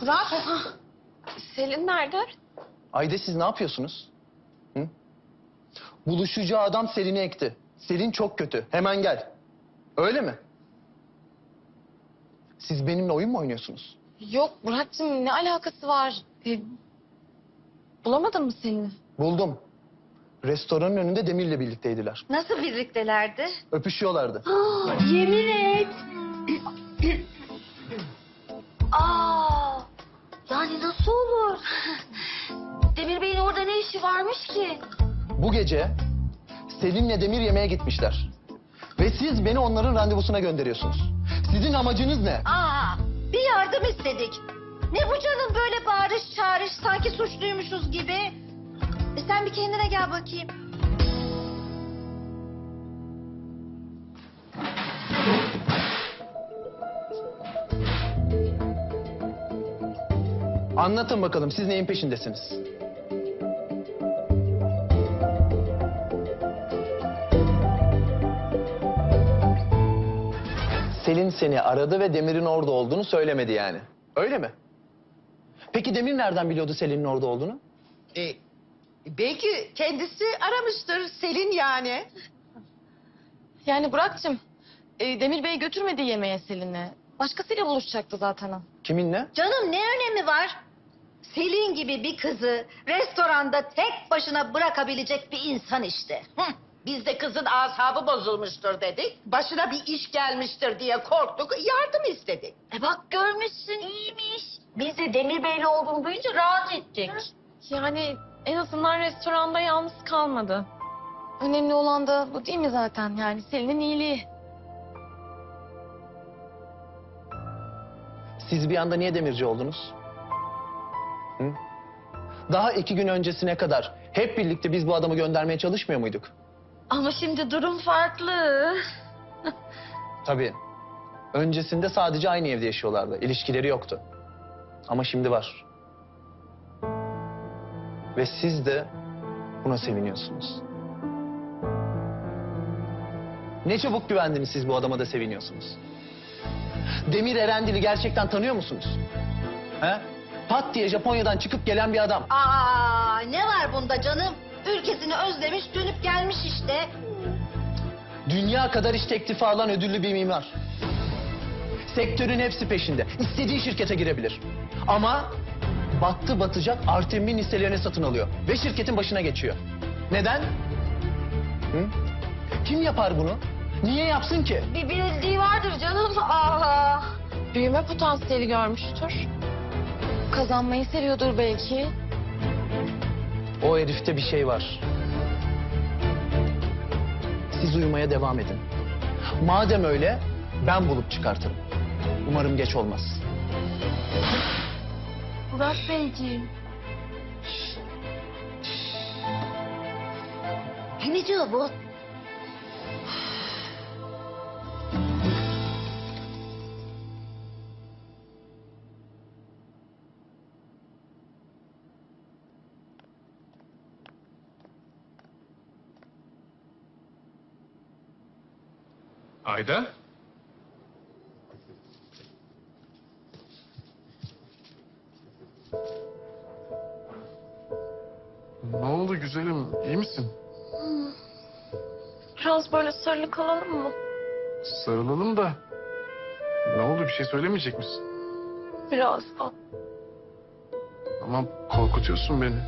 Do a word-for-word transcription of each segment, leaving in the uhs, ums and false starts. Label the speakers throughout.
Speaker 1: Burak. Selin nerede?
Speaker 2: Ayda siz ne yapıyorsunuz? Hı? Buluşacağı adam Selin'i ekti. Selin çok kötü. Hemen gel. Öyle mi? Siz benimle oyun mu oynuyorsunuz?
Speaker 1: Yok Burak'cığım ne alakası var? Ee, bulamadın mı Selin'i?
Speaker 2: Buldum. Restoranın önünde Demir'le birlikteydiler.
Speaker 3: Nasıl birliktelerdi?
Speaker 2: Öpüşüyorlardı.
Speaker 3: Yemin et. Aa, yani nasıl olur? Demir Bey'in orada ne işi varmış ki?
Speaker 2: Bu gece Selin'le Demir yemeğe gitmişler. Ve siz beni onların randevusuna gönderiyorsunuz. Sizin amacınız ne?
Speaker 3: Aa, bir yardım istedik. Ne bu canım böyle bağırış çağırış sanki suçluymuşuz gibi. E sen bir kendine gel bakayım.
Speaker 2: Anlatın bakalım siz neyin peşindesiniz? Selin seni aradı ve Demir'in orada olduğunu söylemedi yani. Öyle mi? Peki Demir nereden biliyordu Selin'in orada olduğunu?
Speaker 4: E, belki kendisi aramıştır Selin yani.
Speaker 1: Yani Burak'cığım e, Demir Bey götürmedi yemeğe Selin'i. Başkasıyla buluşacaktı zaten o.
Speaker 2: Kiminle?
Speaker 3: Canım ne önemi var? Selin gibi bir kızı restoranda tek başına bırakabilecek bir insan işte.
Speaker 4: Hı, biz de kızın asabı bozulmuştur dedik. Başına bir iş gelmiştir diye korktuk, yardım istedik.
Speaker 3: E bak görmüşsün iyiymiş. Biz de Demir Bey'le olduğunu duyunca rahat ettik.
Speaker 1: Yani en azından restoranda yalnız kalmadı. Önemli olan da bu değil mi zaten? Yani Selin'in iyiliği.
Speaker 2: Siz bir anda niye demirci oldunuz? Hı? Daha iki gün öncesine kadar hep birlikte biz bu adamı göndermeye çalışmıyor muyduk?
Speaker 3: Ama şimdi durum farklı.
Speaker 2: Tabii. Öncesinde sadece aynı evde yaşıyorlardı. İlişkileri yoktu. Ama şimdi var. Ve siz de buna seviniyorsunuz. Ne çabuk güvendiniz siz bu adama da seviniyorsunuz. Demir Erendil'i gerçekten tanıyor musunuz? He? Pat diye Japonya'dan çıkıp gelen bir adam.
Speaker 3: Aa, ne var bunda canım? Ülkesini özlemiş dönüp gelmiş işte.
Speaker 2: Dünya kadar iş teklifi alan ödüllü bir mimar. Sektörün hepsi peşinde. İstediği şirkete girebilir. Ama battı batacak Artem'in hisselerini satın alıyor. Ve şirketin başına geçiyor. Neden? Hı? Kim yapar bunu? Niye yapsın ki?
Speaker 3: Bir bildiği vardır canım. Aa.
Speaker 1: Büyüme potansiyeli görmüştür. Kazanmayı seviyordur belki.
Speaker 2: O herifte bir şey var. Siz uyumaya devam edin. Madem öyle ben bulup çıkartırım. Umarım geç olmaz.
Speaker 3: Burak Beyciğim. Ne diyor bu?
Speaker 5: Ayda? Ne oldu güzelim? İyi misin?
Speaker 1: Biraz böyle sarılı kalalım mı?
Speaker 5: Sarılalım da. Ne oldu? Bir şey söylemeyecek misin?
Speaker 1: Birazdan.
Speaker 5: Ama korkutuyorsun beni.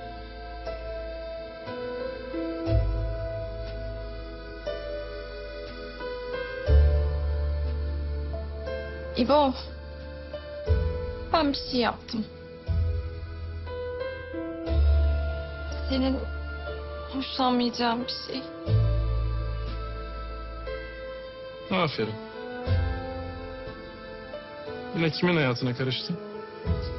Speaker 1: İbo. Ben bir şey yaptım. Senin hoşlanmayacağın bir şey.
Speaker 5: Aferin. Yine kimin hayatına karıştın?